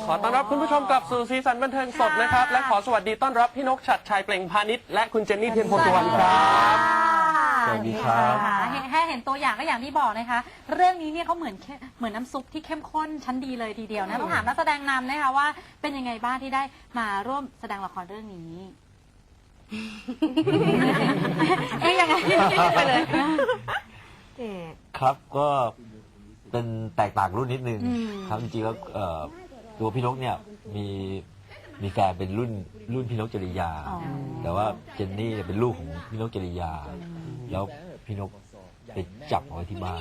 ขอต้อนรับคุณผู้ชมกลับสู่สีสันบันเทิงสดนะครับและขอสวัสดีต้อนรับพี่นกฉัตรชัยเปล่งพาณิชย์และคุณเจนนี่เทียนโพสุวรรณครับสวัสดีครับให้เห็นตัวอย่างก็อย่างที่บอกนะคะเรื่องนี้เนี่ยเขาเหมือนน้ำซุปที่เข้มข้นชั้นดีเลยทีเดียวนะต้องถามนักแสดงนำนะคะว่าเป็นยังไงบ้างที่ได้มาร่วมแสดงละครเรื่องนี้ยังไงไปเลยครับก็เป็นแตกต่างรุ่นนิดนึงครับจริงๆแล้วตัวพี่นกเนี่ยมีแฟนเป็นรุ่นพี่นกจริยา แต่ว่าเจนนี่เป็นลูกของพี่นกจริยา แล้วพี่นกไปจับเอาไว้ที่บ้าน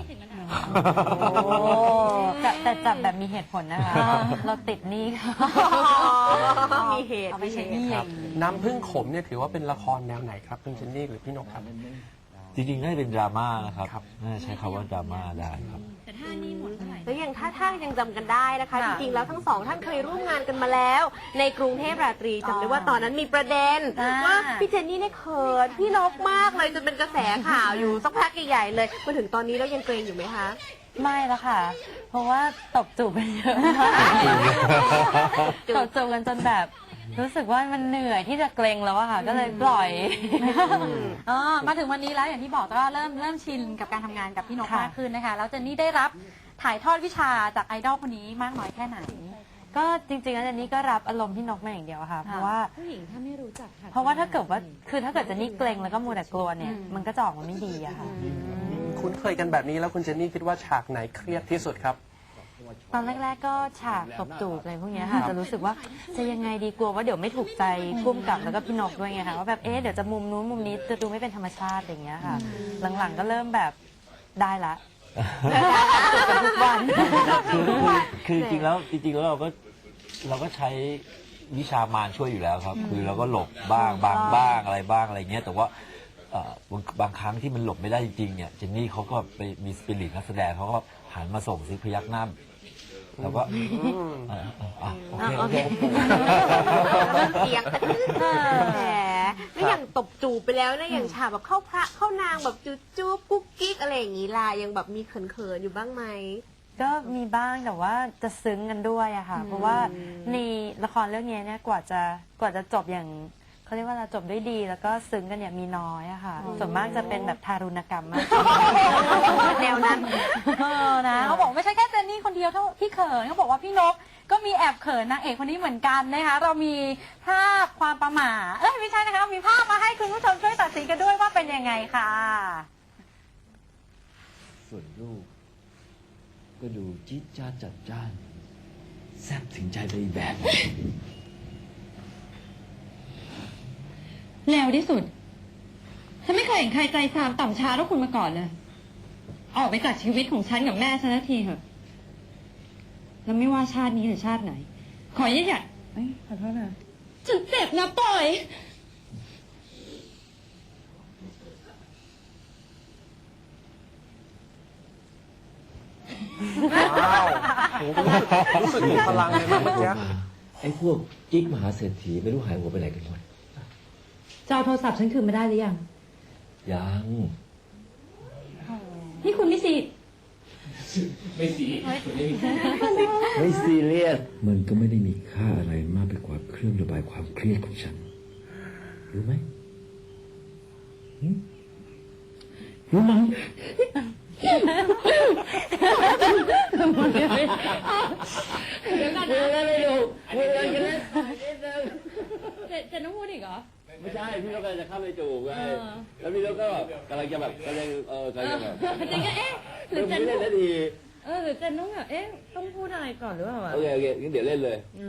แต่จับแบบมีเหตุผลนะคะ เราติดหนี้มีเหตุเอาไปใช้หนี้น้ำพึ่งขมเนี่ยถือว่าเป็นละครแนวไหนครับคุณเจนนี่หรือพี่นกครับจริงๆน่าจะเป็นดราม่านะครับน่าจะใช้คำว่าดราม่าได้ครับแล้วอย่างถ้ายังจำกันได้นะคะ จริงๆแล้วทั้งสองท่านเคยร่วมงานกันมาแล้ว ในกรุงเทพราตรีจำได้ว่าตอนนั้นมีประเด็นว่าพี่เจนนี่เนี่ยเขินพี่นกมากเลยจนเป็นกระแสข่าวอยู่สักพักใหญ่ๆเลยมาถึงตอนนี้แล้วยังเกรงอยู่ไหมคะไม่แล้วค่ะ เพราะว่าตบจูบกันเยอะมากตบจูบกันจนแบบรู้สึกว่ามันเหนื่อยที่จะเกรงแล้วอะค่ะ ก็เลยปล่อยมาถึงวันนี้แล้วอย่างที่บอกก็เริ่มชินกับการทำงานกับพี่นกมากขึ้นนะคะแล้วเจนนี่ได้รับถ่ายทอดวิชาจากไอดอลคนนี้มากน้อยแค่ไหนก็จริงๆแล้วเจนนี่ก็รับอารมณ์ที่นกมาอย่างเดียวค่ะ เพราะว่าผู้หญิงถ้าไม่รู้จักเพราะว่าถ้าเกิดว่าคือถ้าเกิดเจนนี่เกรงแล้วก็มัวแต่กลัวเนี่ยมันก็จะออกมาไม่ดีอะค่ะคุ้นเคยกันแบบนี้แล้วคุณเจนนี่คิดว่าฉากไหนเครียดที่สุดครับตอนแรกๆก็ฉากตบจูบอะไรพวกเนี้ยค่ะจะรู้สึกว่าจะยังไงดีกลัวว่าเดี๋ยวไม่ถูกใจพุ่มกับแล้วก็พี่นกด้วยไงคะว่าแบบเดี๋ยวจะมุมนู้นมุมนี้จะดูไม่เป็นธรรมชาติอย่างเงี้ยค่ะ หลังๆก็เริ่มแบบได้ละจูบกันทุกวันคือจริงๆแล้วเราก็ใช้วิชามารช่วยอยู่แล้วครับ คือเราก็หลบบ้างบ้างอะไรบ้างอะไรเงี้ยแต่ว่าบางครั้งที่มันหลบไม่ได้จริงๆเนี่ยเจนนี่เขาก็ไปมีสปิริตนักแสดงเขาก็หันมาส่งซิพยักหน้าแล้วก็โอเคเสียงแหมแล้วอย่างตบจูบไปแล้วนะอย่างฉากแบบเข้าพระเข้านางแบบจูบกุ๊กกิ๊กอะไรอย่างงี้ล่ะยังแบบมีเขินๆอยู่บ้างไหมก็มีบ้างแต่ว่าจะซึ้งกันด้วยอะค่ะเพราะว่าในละครเรื่องนี้เนี่ยกว่าจะจบอย่างเขาเรียกว่าจบด้วยดีแล้วก็ซึ้งกันเนี่ยมีน้อยอะค่ะส่วนมากจะเป็นแบบทารุณกรรมมากแนวนั้นนะเขาบอกไม่ใช่แค่เจนนี่คนเดียวเท่าที่เขินเขาบอกว่าพี่นกก็มีแอบเขินนางเอกคนนี้เหมือนกันนะคะเรามีภาพความประหม่าไม่ใช่นะคะมีภาพมาให้คุณผู้ชมช่วยตัดสินกันด้วยว่าเป็นยังไงค่ะส่วนลูกก็ดูจี๊ดจ้าดจัดจ้านแซ่บถึงใจไปอีกแบบเร็วที่สุด ฉันไม่เคยเห็นใครใจซามต่ำช้าเท่าคุณมาก่อนเลย ออกไปจากชีวิตของฉันกับแม่ฉันนาทีเถอะ แล้วไม่ว่าชาตินี้หรือชาติไหน ขออย่าขอโทษนะฉันเจ็บนะปล่อยว้าวรู้สึกมีพลังเลยนะเมื่อกี้ไอ้พวกกิ๊กมหาเศรษฐีไม่รู้หายหัวไปไหนกันหมดจะเอาโทรศัพท์ฉันคืนมาได้หรือยังยังนี่คุณไม่สิไม่ซีเรียส มันก็ไม่ได้มีค่าอะไรมากไปกว่าเครื่องระบายความเครียดของฉัน รู้ไหมรู้ไหมเดี๋ยวก่อนนะจะต้องพูดอีกเหรอไม่ใช่ พี่นกกำลังจะเข้าไปจูบไงแล้วพี่นกก็แบบกำลังจะแบบกำลังจะแบบเจนก็หรือเจนไม่เล่นนาทีหรือเจนต้องแบบต้องพูดอะไรก่อนหรือเปล่าโอเคงั้นเดี๋ยวเล่นเลย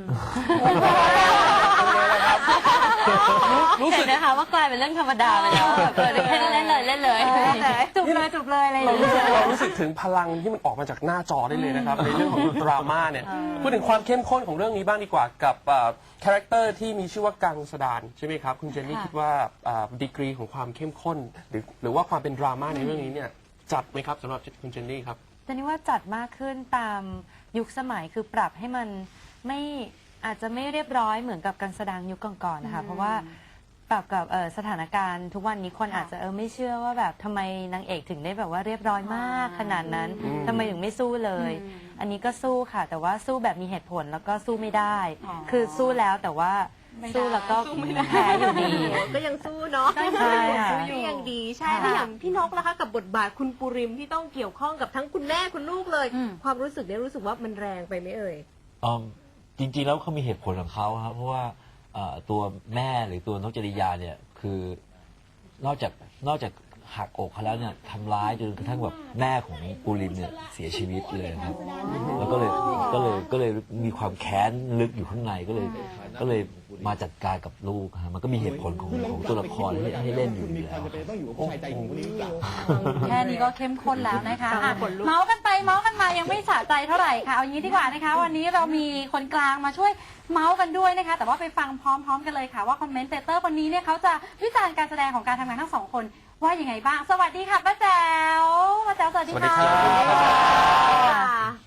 รู้สึกนะคะว่ากลายเป็นเรื่องธรรมดาไปแล้วแบบเล่นเลยจูบเลยอะไรอย่างเงี้ยเรารู้สึกถึงพลังที่มันออกมาจากหน้าจอได้เลยนะครับในเรื่องของดราม่าเนี่ยพูดถึงความเข้มข้นของเรื่องนี้บ้างดีกว่ากับคาแรคเตอร์ที่มีชื่อว่ากังสดานใช่ไหมครับคุณเจนนี่คิดว่าดีกรีของความเข้มข้นหรือว่าความเป็นดราม่าในเรื่องนี้เนี่ยจัดไหมครับสำหรับคุณเจนนี่ครับแต่นี่ว่าจัดมากขึ้นตามยุคสมัยคือปรับให้มันไม่อาจจะไม่เรียบร้อยเหมือนกับการแสดงยุคก่อนๆนะคะเพราะว่าปรับกับสถานการณ์ทุกวันนี้คนอาจจะไม่เชื่อว่าแบบทำไมนางเอกถึงได้แบบว่าเรียบร้อยมากขนาดนั้นทำไมถึงไม่สู้เลยอันนี้ก็สู้ค่ะ แต่ว่าสู้แบบมีเหตุผลแล้วก็สู้ไม่ได้อ๋อคือสู้แล้วแต่ว่าไม่ได้สู้แล้วก็แพ้อยู่ดีก็ยังสู้เนาะใช่ค่ะก็ยังดีใช่ค่ะแล้วอย่างพี่นกล่ะคะกับบทบาทคุณปูริมที่ต้องเกี่ยวข้องกับทั้งคุณแม่คุณลูกเลยอืมความรู้สึกเนี่ยรู้สึกว่ามันแรงไปไหมเอ่ยจริงๆแล้วเขามีเหตุผลของเขาครับเพราะว่าตัวแม่หรือตัวนกจริยาเนี่ยคือนอกจากหักอกเขาแล้วเนี่ยทำร้ายจนกระทั่งแบบแม่ของปูริมเนี่ยเสียชีวิตเลยครับแล้วก็เลยมีความแค้นลึกอยู่ข้างในก็เลยมาจัดการกับลูกฮะมันก็มีเหตุผลของตัวละครให้เล่นอยู่แล้วต้องอยู่กับผู้ชายใจหญิงคนนี้หรือเปล่าแค่นี้ก็เข้มข้นแล้วนะคะฟังอ่ะขนลุกเมาส์กันไปเมาส์กันมายังไม่สะใจเท่าไหร่ค่ะเอางี้ดีกว่านะคะ วันนี้เรามีคนกลางมาช่วยเมาส์กันด้วยนะคะ แต่ว่าไปฟังพร้อมๆกันเลยค่ะว่าคอมเมนเตเตอร์คนนี้เนี่ยเขาจะวิจารณ์การแสดงของการทำงานทั้งสองคนว่ายังไงบ้างสวัสดีค่ะป้าแจ๋วป้าแจ๋วสวัสดีสวัสดีค่ะครับ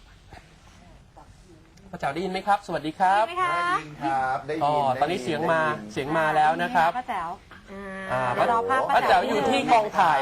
พระเจ้าได้ยินไหมครับ สวัสดีครับได้ไหมคะครับได้อ๋อยินตอนนี้เสียงมาแล้วนะครับป้าแจ๋วอ่าอ่าเดี๋ยวรอภาพป้าแจ๋วอยู่ที่กองถ่าย